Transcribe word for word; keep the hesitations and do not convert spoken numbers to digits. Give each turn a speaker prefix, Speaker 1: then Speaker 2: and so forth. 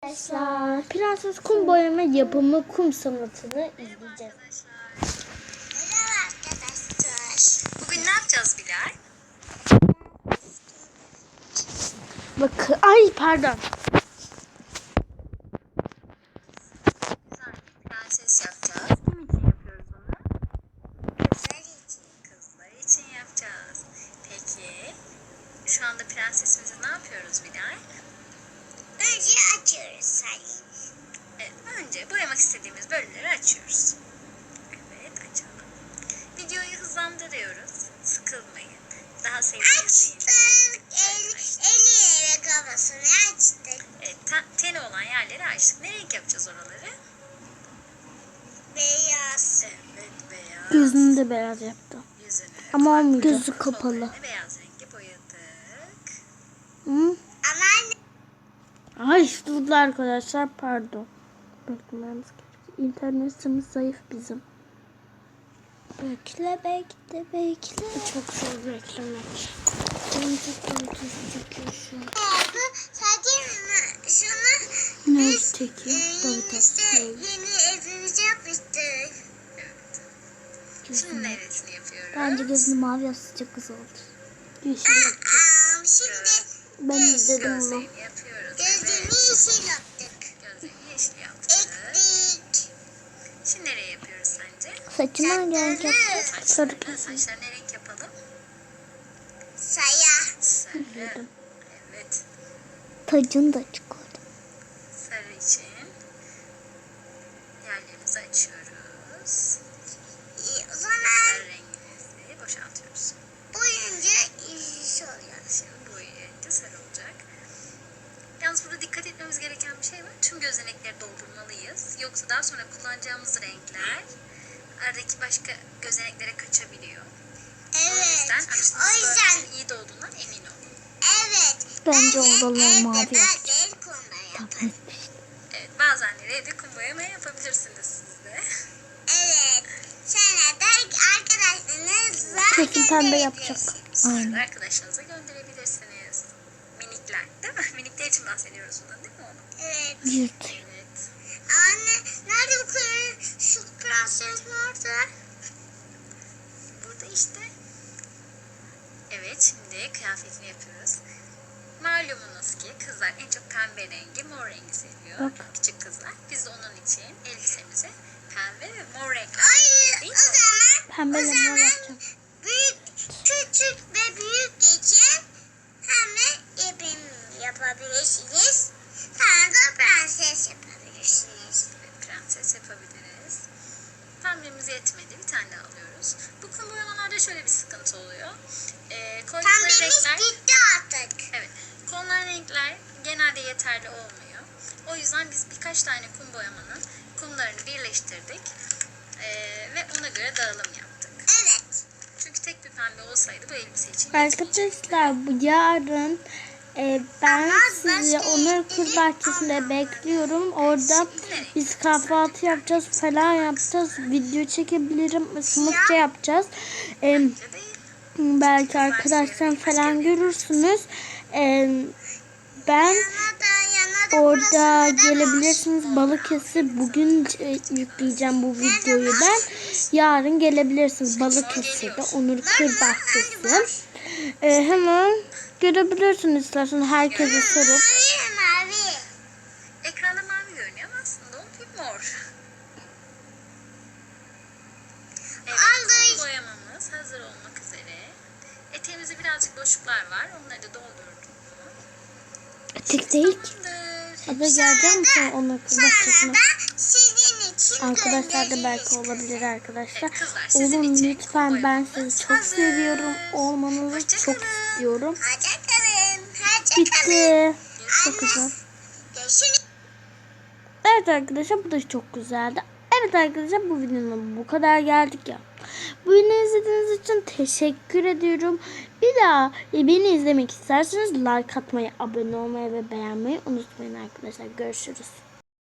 Speaker 1: Arkadaşlar, Prenses Kum boyama yapımı kum sanatını izleyeceğiz.
Speaker 2: Merhaba arkadaşlar. Bugün ne yapacağız Bilal?
Speaker 1: Bakın, ay pardon.
Speaker 2: Güzel bir prenses yapacağız. Kim için yapıyoruz bunu? Kızlar için. Kızlar için yapacağız. Peki, şu anda prensesimizi ne yapıyoruz Bilal? Önce açıyoruz sayıyı. Evet, önce boyamak istediğimiz bölümleri açıyoruz. Evet, açalım. Videoyu hızlandırıyoruz. Sıkılmayın. Daha sevdiğiniz
Speaker 3: Açtık. El, eli ve kafasını açtık.
Speaker 2: Evet, ten, teni olan yerleri açtık. Ne renk yapacağız oraları?
Speaker 3: Beyaz.
Speaker 2: Evet, beyaz.
Speaker 1: Gözünü de beyaz yaptım.
Speaker 2: Yüzünü.
Speaker 1: Ama
Speaker 2: farklı
Speaker 1: olmuyor. Gözü
Speaker 2: farklı
Speaker 1: kapalı.
Speaker 2: kollarını beyaz rengi boyadık.
Speaker 1: Hı?
Speaker 3: Ama
Speaker 1: Ay dur arkadaşlar, pardon. Beklememiz gerekiyor. İnternetimiz zayıf bizim. Bekle bekle bekle. Çok zor beklemek. Benim çok kötü çekiyor şu an.
Speaker 3: oldu. Sadece şunu
Speaker 1: Ne
Speaker 3: biz
Speaker 1: çekiyor?
Speaker 3: e,
Speaker 1: Tabii
Speaker 3: yeni, işte,
Speaker 1: tabii.
Speaker 3: yeni evimizi yapmıştık.
Speaker 2: Şimdi neresini yapıyoruz?
Speaker 1: Bence gözünü mavi yapsa çok güzel olur. Yeşil yapacak.
Speaker 3: Aa, şimdi
Speaker 1: Ben izledim onu.
Speaker 2: Gözlerini yapıyoruz.
Speaker 3: gözünü
Speaker 2: Evet.
Speaker 3: yeşil yaptık.
Speaker 2: Gözlerini yeşil yaptık.
Speaker 3: Ektik.
Speaker 2: Şimdi nereye yapıyoruz sence?
Speaker 1: Saçını hangi renk yapacağız? Sarı
Speaker 2: Saçlarını,
Speaker 1: kesin.
Speaker 2: saçlarını ne renk yapalım?
Speaker 3: Saya.
Speaker 2: Sarı. Evet.
Speaker 1: Tacını da açık oldu.
Speaker 2: Sarı için yerlerimizi açıyoruz.
Speaker 3: E, O zaman
Speaker 2: Sarı rengimizi boşaltıyoruz.
Speaker 3: boyunca yeşil oluyor.
Speaker 2: Şimdi boyayınca sarı olacak. Yalnız burada dikkat etmemiz gereken bir şey var. Tüm gözenekleri doldurmalıyız. Yoksa daha sonra kullanacağımız renkler aradaki başka gözeneklere kaçabiliyor. O
Speaker 3: Evet.
Speaker 2: yüzden
Speaker 3: O
Speaker 2: açtığınız
Speaker 3: yüzden
Speaker 2: bölgenin iyi dolduğundan emin olun.
Speaker 3: evet.
Speaker 1: Bence
Speaker 3: Ben de
Speaker 1: oraları
Speaker 3: evde
Speaker 1: mavi
Speaker 3: ben de
Speaker 1: yapacağız.
Speaker 3: el konuda yaparım.
Speaker 1: Tamam.
Speaker 2: Evet, bazenleri evde kum boyama yapabilirsiniz siz de.
Speaker 3: Evet. Sonra da arkadaşlarınızla
Speaker 1: Kesin pembe yapacak.
Speaker 3: gönderebilirsiniz.
Speaker 1: Aynen.
Speaker 2: Arkadaşlarınıza gönderebilirsiniz. Minikler değil mi? Minikler için bahsediyoruz bundan değil mi oğlum?
Speaker 3: Evet.
Speaker 1: Yırt.
Speaker 2: Evet.
Speaker 3: Anne nerede bu kız? Şu prenses nerede?
Speaker 2: Burada işte. Evet, şimdi kıyafetini yapıyoruz. Malumunuz ki kızlar en çok pembe rengi, mor rengi seviyor.
Speaker 1: Bak.
Speaker 2: Küçük kızlar. Biz de onun için elbisemize pembe ve mor renk.
Speaker 3: Ay
Speaker 2: Değil
Speaker 3: o
Speaker 2: mi?
Speaker 3: zaman
Speaker 1: Pembe
Speaker 3: o
Speaker 1: ile mor
Speaker 3: zaman
Speaker 1: yapacağım.
Speaker 3: büyük, küçük ve büyük için hemen yapım yapabilirsiniz. Sonra da prenses yapabilirsiniz.
Speaker 2: Evet, prenses yapabiliriz. Pembemiz yetmedi. Bir tane daha alıyoruz. Bu kum boyamalarda şöyle bir sıkıntı oluyor. Ee, koydukları
Speaker 3: Pembemiz
Speaker 2: renkler,
Speaker 3: bitti artık.
Speaker 2: evet, konulan renkler genelde yeterli olmuyor. O yüzden biz birkaç tane kum boyamanın kumlarını birleştirdik. Ee, ve ona göre dağılım yaptık.
Speaker 3: Evet.
Speaker 2: Çünkü tek bir pembe olsaydı bu elbise için yetmeyecekti.
Speaker 1: Arkadaşlar bu yarın e, ben
Speaker 3: Ama
Speaker 1: sizi
Speaker 3: başka
Speaker 1: Onur Kız
Speaker 3: ilgili
Speaker 1: Bahçesi'nde
Speaker 3: anlamadım.
Speaker 1: bekliyorum. Orada biz kahvaltı yapacağız falan yapacağız. Video çekebilirim. Sınıfça yapacağız. E,
Speaker 2: Bence değil.
Speaker 1: belki arkadaşlar falan görürsünüz. E, ben
Speaker 3: Yana da yana da
Speaker 1: orada
Speaker 3: burasında da
Speaker 1: gelebilirsiniz. Balıkesir bugün e, yükleyeceğim bu videoyu ben. Yarın gelebilirsiniz Balıkesir'de Onur Kır Bahçesi. E, hemen görebilirsiniz istersen herkese sorup.
Speaker 3: Mavi mavi.
Speaker 2: Ekranda mavi görünüyor ama aslında o bir mor. Evet,
Speaker 3: Aldık.
Speaker 2: kum boyamamız hazır olmak üzere. Eteğimizde birazcık boşluklar var. Onları da doldurdum.
Speaker 1: Tek değil ki.
Speaker 2: Tamamdır.
Speaker 1: Abla gelecek misin Onur Kır Bahçesi'ne?
Speaker 3: Sonra da sizin için
Speaker 1: Arkadaşlar da belki
Speaker 3: göndeririz.
Speaker 1: olabilir arkadaşlar.
Speaker 2: Evet, kızlar, sizin
Speaker 1: Oğlum
Speaker 2: için
Speaker 1: lütfen
Speaker 2: kum
Speaker 1: ben
Speaker 2: boyamamız
Speaker 1: sizi çok
Speaker 2: hazır.
Speaker 1: seviyorum. Olmanızı
Speaker 2: Hoşça
Speaker 1: çok
Speaker 2: kalın.
Speaker 1: istiyorum.
Speaker 3: Hoşça kalın. Hoşça kalın.
Speaker 1: Bitti. Çok
Speaker 3: Anne.
Speaker 1: güzel.
Speaker 3: Görüşürüz.
Speaker 1: Evet arkadaşlar bu da çok güzeldi. Evet arkadaşlar bu videonun bu kadar geldik ya. Bu videoyu izlediğiniz için teşekkür ediyorum. Bir daha beni izlemek isterseniz like atmayı, abone olmayı ve beğenmeyi unutmayın arkadaşlar. Görüşürüz.